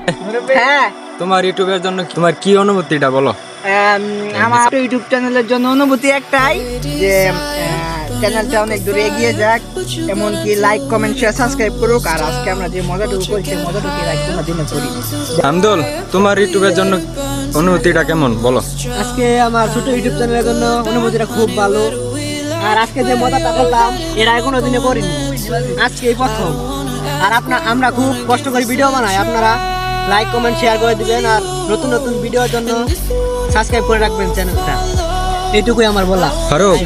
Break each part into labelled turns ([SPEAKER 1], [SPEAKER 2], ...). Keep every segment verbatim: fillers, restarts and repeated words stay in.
[SPEAKER 1] হ্যাঁ,
[SPEAKER 2] তোমার ইউটিউবের জন্য তোমার কি অনুভূতিটা বলো?
[SPEAKER 1] আম, আমার ইউটিউব চ্যানেলের জন্য অনুভূতি একটাই যে চ্যানেলটা অনেক দূরে এগিয়ে যাক, এমনকি লাইক কমেন্ট শেয়ার সাবস্ক্রাইব করুক। আর আজকে আমরা যে মজাটুকু করছি মজাটুকু লাইক তোমরা দিনে করি।
[SPEAKER 2] আমদুল, তোমার ইউটিউবের জন্য অনুভূতিটা কেমন বলো?
[SPEAKER 3] আজকে আমার ছোট ইউটিউব চ্যানেলের জন্য অনুভূতিটা খুব ভালো। আর আজকে যে মজাটা করলাম এর আগে কোনো দিনে করিনি, আজকেই প্রথম। আর আপনার আমরা খুব কষ্ট করে ভিডিও বানাই, আপনারা লাইক কমেন্ট শেয়ার করে দিবেন আর নতুন নতুন ভিডিওর জন্য সাবস্ক্রাইব করে রাখবেন চ্যানেলটা। এইটুকুই আমার বলা।
[SPEAKER 2] ফারুক,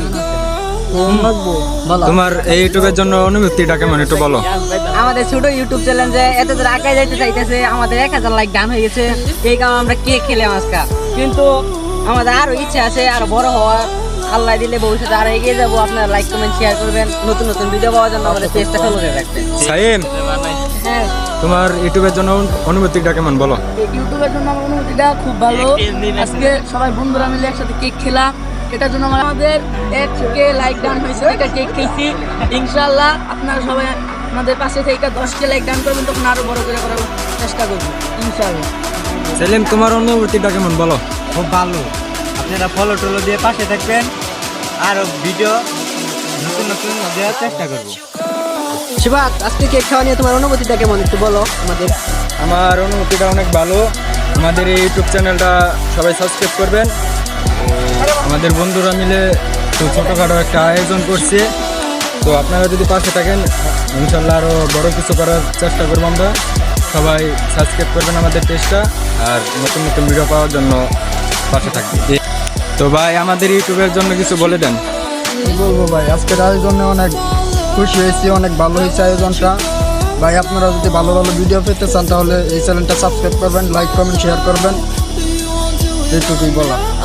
[SPEAKER 2] তোমার এই ইউটিউবের জন্য অনুভূতিটা কেমন একটু বলো?
[SPEAKER 1] আমাদের ছোট ইউটিউব চ্যানেল যে এত দূর আগে যাইতে চাইতেছে, আমাদের এক হাজার লাইক ডান হয়ে গেছে, এই কারণে আমরা কেক খেলাম আজকে। কিন্তু আমাদের আরো ইচ্ছা আছে আরো বড় হওয়ার, আল্লাহ দিলে ভবিষ্যতে আরো এগিয়ে যাবো। আপনারা লাইক কমেন্ট শেয়ার করবেন, নতুন নতুন ভিডিও পাওয়ার জন্য আমাদের পেজটা ফলো করে রাখবেন।
[SPEAKER 2] সাইম,
[SPEAKER 1] হ্যাঁ,
[SPEAKER 2] তোমার ইউটিউবের জন্য অনুভূতিটা কেমন বলো?
[SPEAKER 4] ইউটিউবের জন্য আমার অনুভূতিটা খুব ভালো। আজকে সবাই বন্ধুরা মিলে একসাথে কেক খেলাম, এটার জন্য আমাদের এককে লাইক ডান হয়েছে, এটা কেক খেয়েছি। ইনশাআল্লাহ আপনারা সবাই আমাদের পাশে থেকে দশকে লাইক ডান করবেন, তখন আরো বড় করে করার চেষ্টা করবো ইনশাআল্লাহ।
[SPEAKER 2] সেলিম, তোমার অনুভূতিটা কেমন বলো?
[SPEAKER 3] খুব ভালো, আপনারা ফলো টলো দিয়ে পাশে থাকবেন, আরো ভিডিও নতুন নতুন দেওয়ার চেষ্টা করবো। শিবাত, আজকে কেক খাওয়া নিয়ে তোমার অনুভূতিটা কেমন একটু বলো আমাদের।
[SPEAKER 2] আমার অনুভূতিটা অনেক ভালো। আমাদের এই ইউটিউব চ্যানেলটা সবাই সাবস্ক্রাইব করবেন। আমাদের বন্ধুরা মিলে তো ছোটোখাটো একটা আয়োজন করছে, তো আপনারা যদি পাশে থাকেন ইনশাল্লাহ আরও বড় কিছু করার চেষ্টা করবো আমরা। সবাই সাবস্ক্রাইব করবেন আমাদের পেজটা, আর নতুন নতুন ভিডিও পাওয়ার জন্য পাশে থাকবে। তো ভাই, আমাদের ইউটিউবের জন্য কিছু বলে দেন।
[SPEAKER 5] কি বলবো ভাই, আজকের আয়োজনে অনেক খুশি হয়েছি, অনেক ভালো হয়েছে আয়োজনটা। ভাই আপনারা যদি ভালো ভালো ভিডিও পেতে চান তাহলে এই চ্যানেলটা সাবস্ক্রাইব করবেন, লাইক কমেন্ট শেয়ার করবেন, এইটুকুই বলা।